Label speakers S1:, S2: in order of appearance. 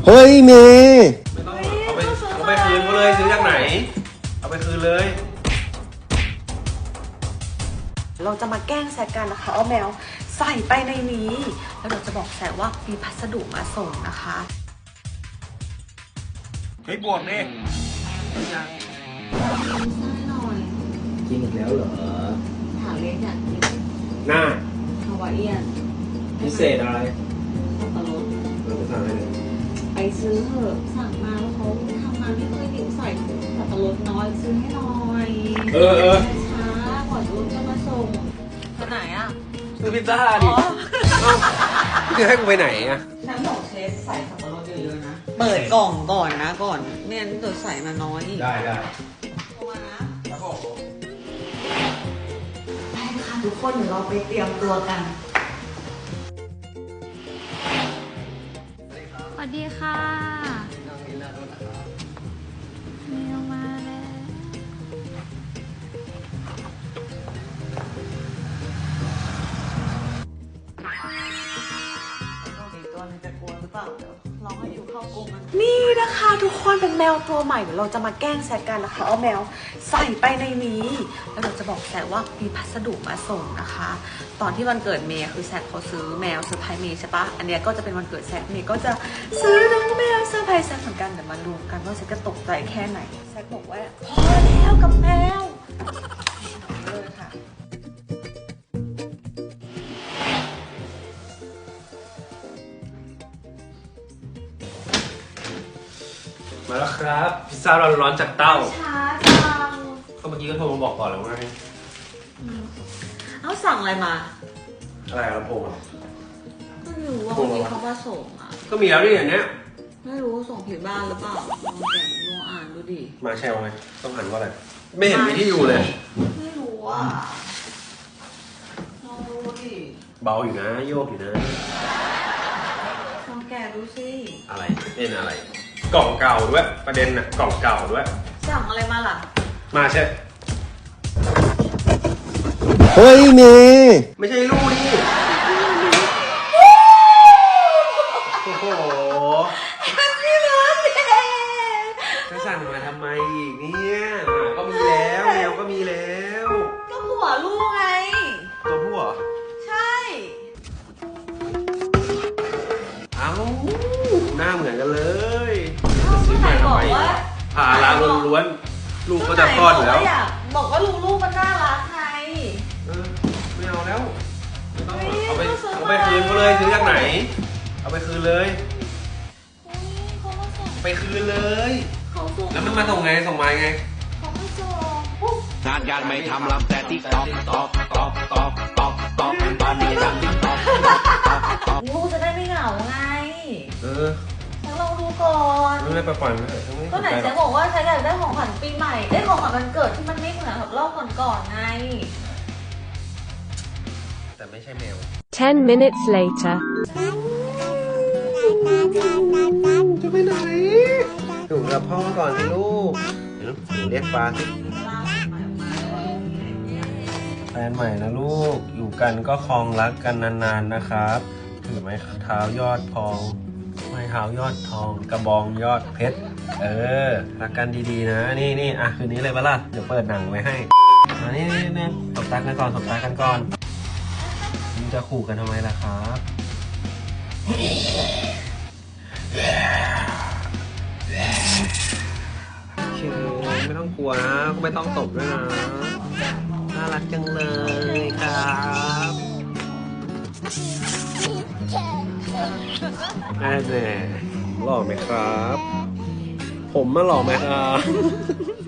S1: เฮ้ยเมย์
S2: ไม่ต้องเอาไปคืนเขาเลยซื้อจากไหนเอาไปคืนเลย
S3: เราจะมาแกล้งแซกกันนะคะเอาแมวใส่ไปในนี้แล้วเราจะบอกแซกว่ามีพัสดุมาส่งนะคะ
S2: เฮ้ยบวกดิ
S4: กินอีกแล้วเหรอ
S3: ถามเล็กอยากกิน
S2: หน้า
S3: ฮาวายเอียน
S2: พิเศษอะไร
S3: สับปะรด
S2: เราจะสั่งอะไร
S3: ไปซื้อเถอะสั่งมาแล้วเขาทำมาไม่เคยกินใส่สับปะรดน้อยซื้อให้หน่อยช้าก่อนรุ่นจะมาส่งไปไหนอ่ะ
S2: ซื้อพิซซ่าดิจะให้กูไปไหนอ่ะ
S3: น้ำบอกเชฟใส่สับปะรดเยอะๆนะเปิดกล่องก่อนนะก่อนไม่งั้นเดี๋ยวใส่มาน้อย
S2: ได้
S3: โทรมานะครับผมไปค่ะทุกคนเดี๋ยวเราไปเตรียมตัวกัน
S5: สวัสดีค่ะมีลงมาแล้ว
S3: ตัวนึงจะกลัวหรือเปล่าเดี๋ยวลองให้อยู่เข้ากรงมันนี่นะคะทุกคนเป็นแมวตัวใหม่เดี๋ยวเราจะมาแกล้งแซกกันนะคะเอาแมวใส่ไปในนี้แล้วเราจะบอกแซกว่ามีพัสดุมาส่งนะคะตอนที่วันเกิดเมย์คือแซกเขาซื้อแมวเซอร์ไพรส์เมย์ใช่ปะอันเนี้ยก็จะเป็นวันเกิดแซกเมย์ก็จะซื้อน้องแมวเซอร์ไพรส์แซกเหมือนกันเดี๋ยวมาดูกันว่าแซกจะตกใจแค่ไหนแซกบอกว่าพอแล้วกับแมวเลยค่ะ
S2: มาแล้วครับพิซซ่าร้อนๆจากเต้า
S3: ช้าจัง
S2: ก็เมื่อกี้ก็โทรมาบอกก่อนแล้วไง
S3: เอาสั่งอะไรมา
S2: อะไรลำโพง
S3: ไม่รู้ว่าวันนี้เขามาส่งอ่ะ
S2: ก็มีแล้วดิอย่างเนี้ย
S3: ไม่รู้ว่าส่งผิดบ้านหรือเปล่าลองแกะลองอ่านดูดิ
S2: มาแชร์ไงต้องหันว่าอะไรไม่เห็นมีที่อยู่เลย
S3: ไม่รู้อ่ะลองดูดิ
S2: เบาอยู่นะโยกอยู่นะ
S3: ลองแกะดูสิ
S2: อะไรเป็นอะไรกล่องเก่าด้วยประเด็นน่ะกล่องเก่าด้วย
S3: สั่งอะไรมาล่ะ
S2: มาใช่
S1: เฮ้ยเมย์
S2: ไม่ใช่ลูกนี่โอ้โหจะสั่งมาทำไมอีกเนี่ยก็มีแล้วแมวก็มีแล้ว
S3: ก็ผัวลูกไง
S2: ตัวผู้เหรอ
S3: ใช่
S2: เอ้าหน้าเหมือนกันเลย
S3: ซื้อมาทำไม
S2: ผ่าล้างล้วนๆลูกก็จะคลอดอยู่แล้ว
S3: บอกว่าลูกมันน่ารักไง
S2: ไม่เอาแล้วเอาไปคืนเขาเลยซื้อจากไหนเอาไปคืนเลยไปคืนเลยแล้วมันมาส่งไงส่งมาไง
S4: งานการไม่ทำลำแต่ติ๊กต๊อกต๊อกต๊อกต๊อกต๊อกต๊อกตอนนี้ทำติ๊กต๊อก
S3: ลูกจะได้ไม่เหงาไงแล้วเราดูก่อน
S2: ไม่ไปปล่อยมันเถอะ
S3: ก็ไหนจะบอกว่าฉันอยากได้ของขวัญปีใหม่ได้ของขวัญวันเกิดที่มันไม่เหมือนกับรอบก่อนๆไง
S2: แต่ไม่ใช่แมว
S5: 10 minutes later
S2: จะไปไหนอยู่กับพ่อก่อนสิลูกเดี๋ยวหนูเรียกฟ้าสิแฟนใหม่นะลูกอยู่กันก็คลองรักกันนานๆนะครับถือไม้เท้ายอดทองไม้เท้ายอดทองกระบองยอดเพชรรักกันดีๆนะนี่อ่ะคืนนี้เลยปะล่ะเดี๋ยวเปิดหนังไว้ให้นี่ตบตากันก่อนตบตากันก่อนมันจะขู่กันทำไมล่ะครับโอเคไม่ต้องกลัวนะก็ไม่ต้องตบด้วยนะน่ารักจังเลยครับแน่หล่อไหมครับผมมาหล่อไหมครับ